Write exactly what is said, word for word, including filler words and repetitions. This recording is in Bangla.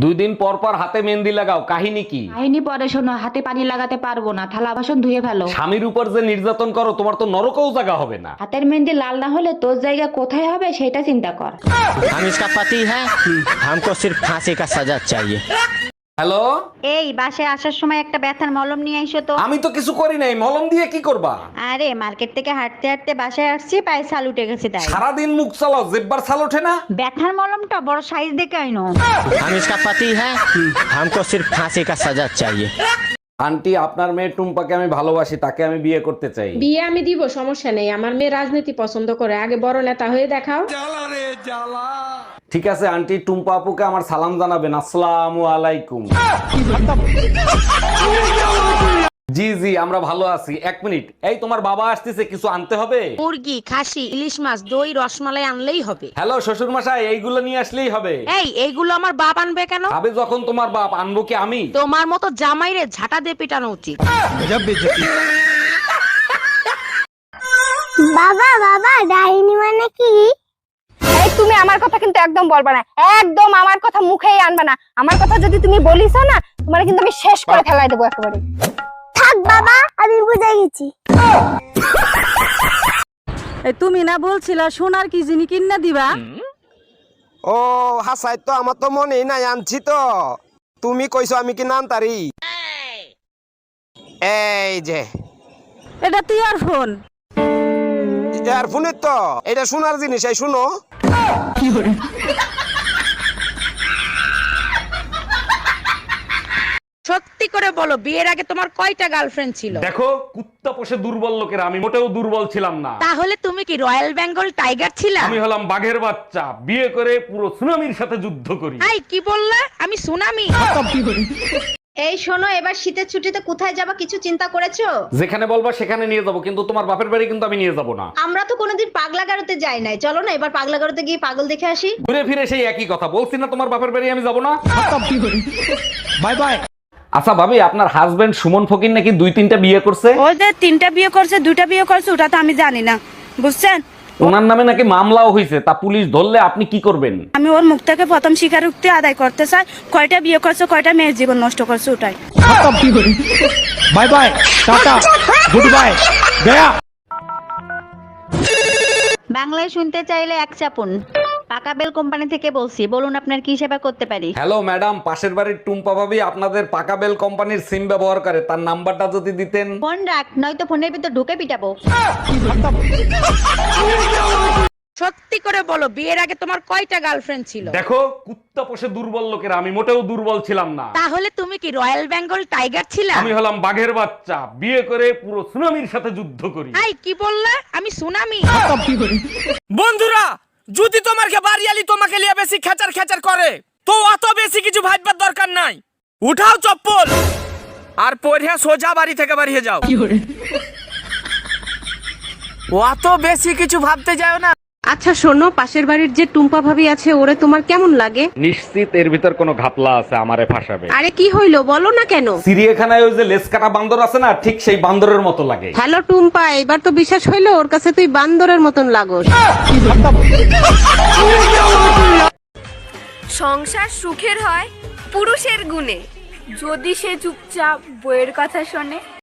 দুই দিন পর পর হাতে মেহেন্দি লাগাও, কাহিনী কি? কাহিনী পরে শোনো, হাতে পানি লাগাতে পারবো না, থালা বাসন ধুয়ে ফেলো। স্বামীর উপর যে নির্যাতন করো, তোমার তো নরকেও জায়গা হবে না। হাতের মেহেন্দি লাল না হলে তোর জায়গা কোথায় হবে সেটা চিন্তা কর। हम इसका पति है, हमको सिर्फ फांसी का सजा चाहिए। হ্যালো, এই বাসায় আসার সময় একটা ব্যথার মলম নিয়ে আইসো তো। আমি তো কিছু করি নাই, মলম দিয়ে কি করবা? আরে মার্কেট থেকে হাঁটতে হাঁটতে বাসায় আসছি, পায়ে ছাল উঠে গেছে তাই। সারাদিন মুখ চালাও, জেব্বার ছাল ওঠে না? ব্যথার মলমটা বড় সাইজ দেখে আইনো। हम इसका पति है, हमको सिर्फ फांसी का सजा चाहिए। আন্টি, আপনার মেয়ে টুম্পাকে আমি ভালোবাসি, তাকে আমি বিয়ে করতে চাই। বিয়ে আমি দিব, সমস্যা নেই। আমার মেয়ে রাজনীতি পছন্দ করে, আগে বড় নেতা হয়ে দেখাও। ঠিক আছে আন্টি, টুম্পা আপুকে আমার সালাম জানাবেন। আসসালামু আলাইকুম। জি জি, আমরা ভালো আছি। এক মিনিট, এই তোমার বাবা আসতেছে, কিছু আনতে হবে? মুরগি, খাসি, ইলিশ মাছ, দই, রসমালাই আনলেই হবে। হ্যালো শ্বশুর মশাই, এইগুলো নিয়ে আসলেই হবে। এই এইগুলো আমার বাপ আনবে কেন? আবে যখন তোমার বাপ, আনবো কি আমি? তোমার মতো জামাইরে ঝাঁটা দিয়ে পিটানো উচিত। বাবা বাবা ডাইনি মানে কি? এই তুমি আমার কথা কিন্তু একদম বলবা না, একদম আমার কথা মুখেই আনবা না। আমার কথা যদি তুমি বলিস না, তোমার কিন্তু আমি শেষ করে ফেলাই দেবো একেবারে। থাক বাবা, আমি বুঝে গেছি। তুমি না বলছিলা সোনার কি জিনিস কিনা দিবা? ও হাসাই তো, আমার তো মনেই নাই, আনছি তো। তুমি কইছো আমি কি নাম তারি? এই যে এটা টিয়ার ফোন। ইয়ারফোনের তো, এটা শোনার জিনিস, এই শুনো। সত্যি করে বলো, বিয়ের আগে তোমার কয়টা গার্লফ্রেন্ড ছিল? দেখো, কুত্তা পোষে দুর্বল লোকেরা, আমি মোটেও দুর্বল ছিলাম না। তাহলে তুমি কি রয়্যাল বেঙ্গল টাইগার ছিলা? আমি হলাম বাঘের বাচ্চা, বিয়ে করে পুরো সুনামির সাথে যুদ্ধ করি। আই কি বললা? আমি সুনামি? এই শোনো, এবার শীতের ছুটিতে কোথায় যাবা কিছু চিন্তা করেছো? যেখানে বলবা সেখানে নিয়ে যাব, কিন্তু তোমার বাপের বাড়ি কিন্তু আমি নিয়ে যাব না। আমরা তো কোনোদিন পাগলা গারোতে যাই নাই, চলো না এবার পাগলা গারোতে গিয়ে পাগল দেখে আসি। ঘুরে ফিরে সেই একই কথা বলছি না, তোমার বাপের বাড়ি আমি যাব না। Bye bye. আচ্ছা ভাবি, আপনার হাজবেন্ড সুমন ফকির নাকি দুই তিনটা বিয়ে করছে? ও যে তিনটা বিয়ে করছে, দুইটা বিয়ে করছে, ওটা তো আমি জানি না, বুঝছেন? ওনার নামে নাকি মামলাও হয়েছে, তা পুলিশ ধরলে আপনি কি করবেন? আমি ওর মুখ থেকে প্রথম স্বীকারোক্তি আদায় করতে চাই, কয়টা বিয়ে করছে, কয়টা মেয়ের জীবন নষ্ট করছে, ওটাই। Bye bye, tata, goodbye, गया। বাংলায় শুনতে চাইলে এক চাপুন। পাকা বেল কোম্পানি থেকে বলছি, বলুন আপনার কি সেবা করতে পারি? হ্যালো ম্যাডাম, পাশের বাড়ির টুম্পা ভাবি আপনাদের পাকা বেল কোম্পানির সিম ব্যবহার করে, তার নাম্বারটা যদি দিতেন। ফোন রাখ, নয়তো ফোনের ভিতর ঢুকে পিটাবো। সত্যি করে বলো, বিয়ের আগে তোমার কয়টা গার্লফ্রেন্ড ছিল? দেখো, কুত্তা পোষে দুর্বল লোকেরা, আমি মোটেও দুর্বল ছিলাম না। তাহলে তুমি কি রয়্যাল বেঙ্গল টাইগার ছিলা? আমি হলাম বাঘের বাচ্চা, বিয়ে করে পুরো সুনামির সাথে যুদ্ধ করি। আই কি বললা? আমি সুনামি? বন্ধুরা, যদি তোমার কে বাড়িয়ালি তোমাকে লিয়ে বেশি খেচার খেচার করে, তো অত বেশি কিছু ভাববার দরকার নাই। উঠাও চপ্পল আর পরে সোজা বাড়ি থেকে বাড়িয়ে যাও। অত বেশি কিছু ভাবতে যাও না। আচ্ছা শোনো, পাশের বাড়ির যে টুম্পা ভাবি আছে, ওরে তোমার কেমন লাগে? নিশ্চিত এর ভিতর কোনো ঘাপলা আছে, আমারে ফাঁসাবে। আরে কি হইলো বলো না কেন? চিড়িয়াখানায় ওই যে লেজ কাটা বান্দর আছে না, ঠিক সেই বান্দরের মতো লাগে। হ্যালো টুম্পা, এবার তো বিশ্বাস হইলো ওর কাছে তুই বান্দরের মতন লাগোস। সংসার সুখের হয় পুরুষের গুণে, যদি সে চুপচাপ বইয়ের কথা শোনে।